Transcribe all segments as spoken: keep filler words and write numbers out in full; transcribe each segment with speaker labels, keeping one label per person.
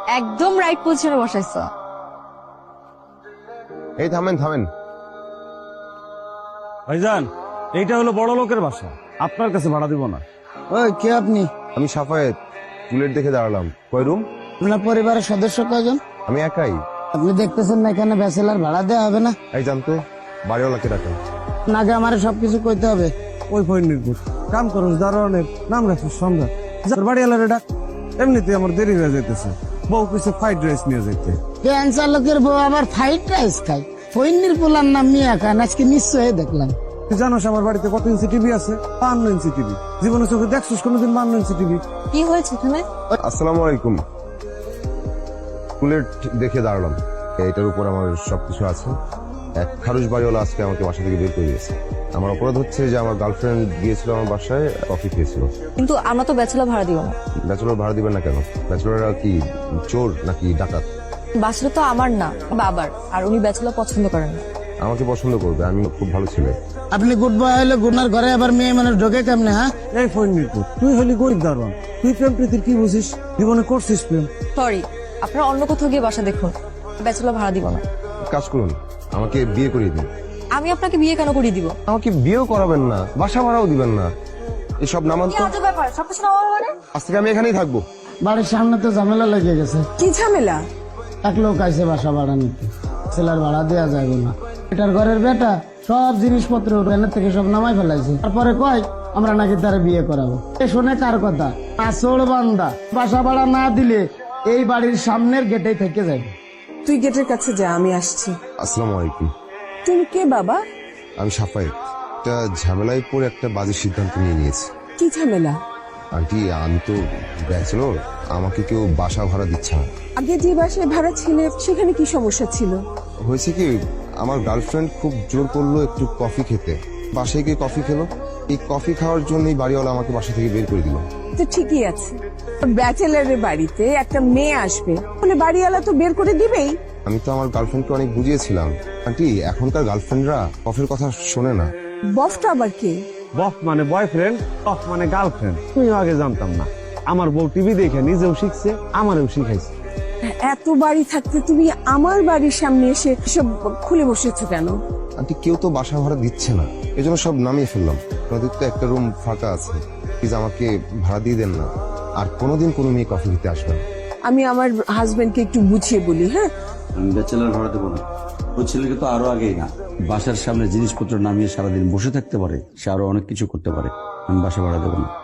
Speaker 1: একদম রাইট পজিশনে বসাইছো।
Speaker 2: এই থামেন থামেন
Speaker 3: ভাইজান, এইটা হলো বড় লোকের বাসা, আপনার কাছে ভাড়া দিব না।
Speaker 4: ওই কে আপনি?
Speaker 2: আমি সাফায়েত, বুলেট দেখে দাঁড়ালাম। কয় রুম?
Speaker 4: আপনার পরিবারের সদস্য কয়জন?
Speaker 2: আমি একাই।
Speaker 4: আপনি দেখতেছেন না এখানে ব্যাচেলার ভাড়া দেওয়া হবে না?
Speaker 2: এই জানতো বাড়িওয়ালাকে ডাকেন।
Speaker 4: নাগে আমার সবকিছু কইতে হবে।
Speaker 3: ওই ফৈনিরপুর কাম করস দারোয়ানের নাম রাখিস সম্রাট, যার বাড়িওয়ালারে ডাক। এমনিতে আমার দেরি হয়ে যাইতেছে, বউ কিছু ফ্রাইড রাইস নিয়ে যাইতে।
Speaker 4: ক্যান্সার লোকের বউ আবার ফ্রাইড রাইস খায়? ফইন্নির পোলার নাম মিয়া খান, আজকে নিশ্চয়ই দেখলাম।
Speaker 3: তুই জানোস আমার বাড়িতে কত ইঞ্চি টিভি আছে? বান্ন ইঞ্চি টিভি। জীবনে চোখে দেখছিস কোনোদিন বান্ন ইঞ্চি টিভি?
Speaker 1: কি হয়েছে এখানে?
Speaker 2: আসসালামু আলাইকুম। বুলেট দেখে দাঁড়ালাম, এটার উপর আমার সবকিছু আছে। এক খারুশ বাড়িওয়ালা আজকে আমাকে বাসা থেকে বের করে দিয়েছে। আমার অপরাধ হচ্ছে যে আমার গার্লফ্রেন্ড গিয়েছিল আমার বাসায়, কফি খেয়েছিল।
Speaker 1: কিন্তু আমরা তো ব্যাচেলর ভাড়া দিব না।
Speaker 2: ব্যাচেলর ভাড়া দিবেন না কেন? ব্যাচেলররা কি চোর নাকি ডাকাত?
Speaker 1: বাসাটা তো আমার না, বাবার, আর উনি ব্যাচেলর পছন্দ করেন না।
Speaker 2: আমাকে পছন্দ করবে, আমি খুব ভালো ছেলে।
Speaker 4: আপনি গুড বয় হলে গুনার ঘরে আবার মেয়ে মানুষ ঢোকে কেমনে? হ্যাঁ,
Speaker 3: এই ফৈনিরপুর, তুই হলি গরিব দারোয়ান, তুই প্রেম প্রীতির কি বুঝিস? জীবনে করছিস প্রেম?
Speaker 1: সরি, আপনারা অন্য কোথাও গিয়ে বাসা দেখুন, ব্যাচেলর ভাড়া দিব না।
Speaker 2: কাজ করুন, আমাকে বিয়ে করিয়ে দিন।
Speaker 1: আমি আপনাকে বিয়ে কেন করিয়ে দিব?
Speaker 2: আমাকে বিয়েও করাবেন না, বাসা ভাড়াও দিবেন না, এসব নামান তো।
Speaker 1: আজব ব্যাপার, সবকিছু নামাবো মানে?
Speaker 2: আজ থেকে আমি এখানেই থাকবো।
Speaker 4: বাড়ির সামনে তো ঝামেলা লেগে গেছে।
Speaker 5: কি ঝামেলা?
Speaker 4: এক লোক আইসে বাসা ভাড়া নিতে, ছেলের ভাড়া দেওয়া যাবে না। এটার ঘরের বেটা সব জিনিসপত্র এখানের থেকে সব নামাই ফেলাইছে। তারপরে কয় আমরা নাকি তারা বিয়ে করাবো। এ শুনে কার কথা? আসল বান্দা। বাসা ভাড়া না দিলে এই বাড়ির সামনের গেটেই থেকে যাবে।
Speaker 5: তুই গেটের কাছে যা, আমি আসছি।
Speaker 2: আসসালামু আলাইকুম।
Speaker 5: তুমি কে বাবা?
Speaker 2: আমি সাফায়েত। একটা ঝামেলায় পড়ে একটা বাজে সিদ্ধান্ত নিয়ে নিয়েছি।
Speaker 5: কি ঝামেলা?
Speaker 2: আন্টি, আমি তো ব্যাচেলর, আমাকে কেউ বাসা ভাড়া দিচ্ছে না।
Speaker 5: আগে যে বাসায় ভাড়া ছিলে সেখানে কি সমস্যা ছিল?
Speaker 2: হয়েছে কি, আমার গার্লফ্রেন্ড খুব জোর করলো একটু কফি খেতে। বাসায় গিয়ে কফি খেলো, এই কফি খাওয়ার জন্যই বাড়িওয়ালা আমাকে বাসা থেকে বের করে দিল।
Speaker 5: তো ঠিকই আছে, ব্যাচেলারের বাড়িতে একটা মেয়ে আসবে বলে বাড়িওয়ালা তো বের করে দিবেই।
Speaker 2: আমি তো আমার গার্লফ্রেন্ডকে অনেক বুঝিয়েছিলাম। আন্টি, এখনকার গার্লফ্রেন্ডরা কফির কথা শোনে না।
Speaker 5: বসটা আবার কে?
Speaker 3: বফ মানে বয়ফ্রেন্ড, অফ মানে গার্লফ্রেন্ড। তুমিও আগে জানতাম না। আমার বউ টিভি দেখে নিজেও শিখছে, আমারও শিখাইছে।
Speaker 5: এত বাড়ি থাকতে তুমি আমার বাড়ির সামনে এসে সব খুলে বসেছো কেন?
Speaker 2: আন্টি, কেউ তো বাসা ভাড়া দিচ্ছে না, এজন্য সব নামিয়ে ফেললাম। আপনাদের তো একটা রুম ফাঁকা আছে, প্লিজ আমাকে ভাড়া দিয়ে দেন না। আর কোনোদিন কোনো মেয়ে কফি খেতে আসবে না।
Speaker 5: আমি আমার হাজবেন্ডকে একটু বুঝিয়ে বলি। হ্যাঁ,
Speaker 6: আমি ব্যাচেলার ভাড়া দেবো না। ওই ছেলেকে তো আরো আগেই না, বাসার সামনে জিনিসপত্র নামিয়ে সারাদিন বসে থাকতে পারে, সে আরো অনেক কিছু করতে পারে। আমি বাসা ভাড়া দেবো না।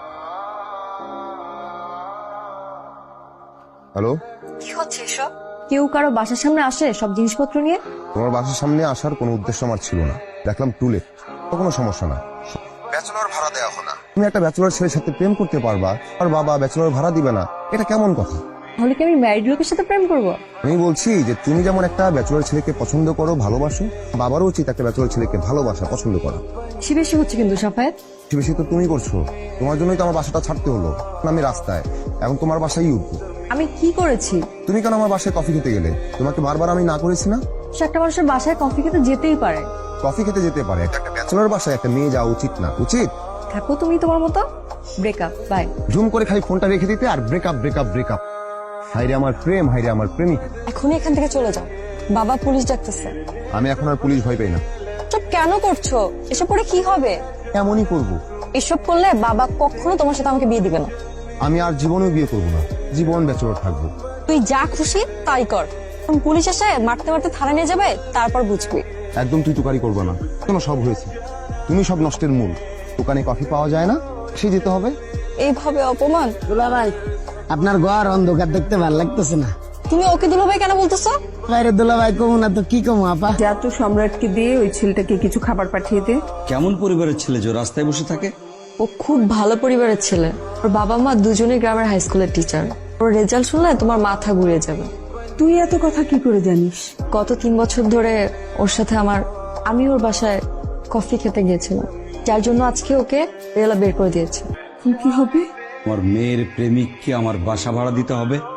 Speaker 2: হ্যালো,
Speaker 1: কি হচ্ছে এসব? কেউ কারো বাসার সামনে আসে সব জিনিসপত্র নিয়ে?
Speaker 2: তোমার বাসার সামনে আসার কোনো উদ্দেশ্য আমার ছিল না। দেখলাম টুলেট, তো কোনো সমস্যা না। ব্যাচেলর ভাড়া দেওয়া হয় না। তুমি একটা ব্যাচেলর ছেলের সাথে প্রেম করতে পারবা, আর বাবা ব্যাচেলর ভাড়া দিবে না, এটা কেমন কথা?
Speaker 1: তাহলে কি আমি ম্যারিড লোকের সাথে প্রেম করব?
Speaker 2: আমি বলছি যে তুমি যেমন একটা ব্যাচেলর ছেলেকে পছন্দ করো, ভালোবাসো, বাবারও উচিত একটা ব্যাচেলর ছেলেকে ভালোবাসা, পছন্দ করা।
Speaker 1: বেশি বেশি হচ্ছে কিন্তু সাফায়েত।
Speaker 2: বেশি বেশি তো তুমি করছো, তোমার জন্যই তো আমার বাসাটা ছাড়তে হলো। আমি রাস্তায়, এখন তোমার বাসায় উঠবো।
Speaker 1: আমি কি করেছি?
Speaker 2: তুমি কেন আমার বাসায় কফি খেতে গেলে? তোমাকে বারবার আমি না করেছি না?
Speaker 1: সে একটা মানুষের বাসায় কফি খেতে যেতেই পারে।
Speaker 2: কফি খেতে যেতে পারে, একটা ব্যাচেলর বাসায় একটা মেয়ে যাওয়া উচিত না? উচিত।
Speaker 1: থাকো তুমি তোমার মতো। Breakup, by.
Speaker 2: জুম করে খালি ফোনটা রেখে দিতে আর ব্রেকআপ ব্রেকআপ ব্রেকআপ। হাইরে আমার প্রেম, হাইরে আমার প্রেমিক।
Speaker 1: এখনই এখান থেকে চলে যাও, বাবা পুলিশ ডাকতেছে।
Speaker 2: আমি এখন আর পুলিশ ভয় পাই না।
Speaker 1: সব কেন করছো? এসব করে কি হবে?
Speaker 2: এমনই করবো।
Speaker 1: এসব করলে বাবা কখনো তোমার সাথে আমাকে বিয়ে দিবে না।
Speaker 2: আমি আর জীবনেও বিয়ে করবো না, জীবন ব্যাচেলর থাকবো।
Speaker 1: তুই যা খুশি তাই কর, পুলিশ এসে মারতে মারতে থানা নিয়ে যাবে, তারপর বুঝবি।
Speaker 2: একদম তুই তুকারি করবে না, কেন? সব হয়েছে, তুমি সব নষ্টের মূল। দোকানে কফি পাওয়া যায় না, সে যেতে হবে।
Speaker 1: এইভাবে অপমান?
Speaker 4: দুলা ভাই, আপনার ঘর অন্ধকার দেখতে ভালো লাগতেছে না?
Speaker 1: তুমি ওকে দুলাভাই কেন বলতেছো?
Speaker 4: বাইরে দুলা ভাই কমু না তো কি কমু আপা?
Speaker 5: যা তো সম্রাটকে দিয়ে ওই ছেলেটাকে কিছু খাবার পাঠিয়ে দে।
Speaker 6: কেমন পরিবারের ছেলে যে রাস্তায় বসে থাকে?
Speaker 1: ও খুব ভালো পরিবারের ছেলে। ওর বাবা মা দুজনেই গ্রামের হাই স্কুলের টিচার। ওর রেজাল্ট শুনলে তোমার মাথা ঘুরে যাবে।
Speaker 5: তুই এত কথা কি করে জানিস?
Speaker 1: গত তিন বছর ধরে ওর সাথে আমার, আমি ওর বাসায় কফি খেতে গিয়েছিলাম, যার জন্য আজকে ওকে রেলা বের করে দিয়েছে।
Speaker 5: কি কি হবে?
Speaker 6: আমার মেয়ের প্রেমিককে আমার বাসা ভাড়া দিতে হবে?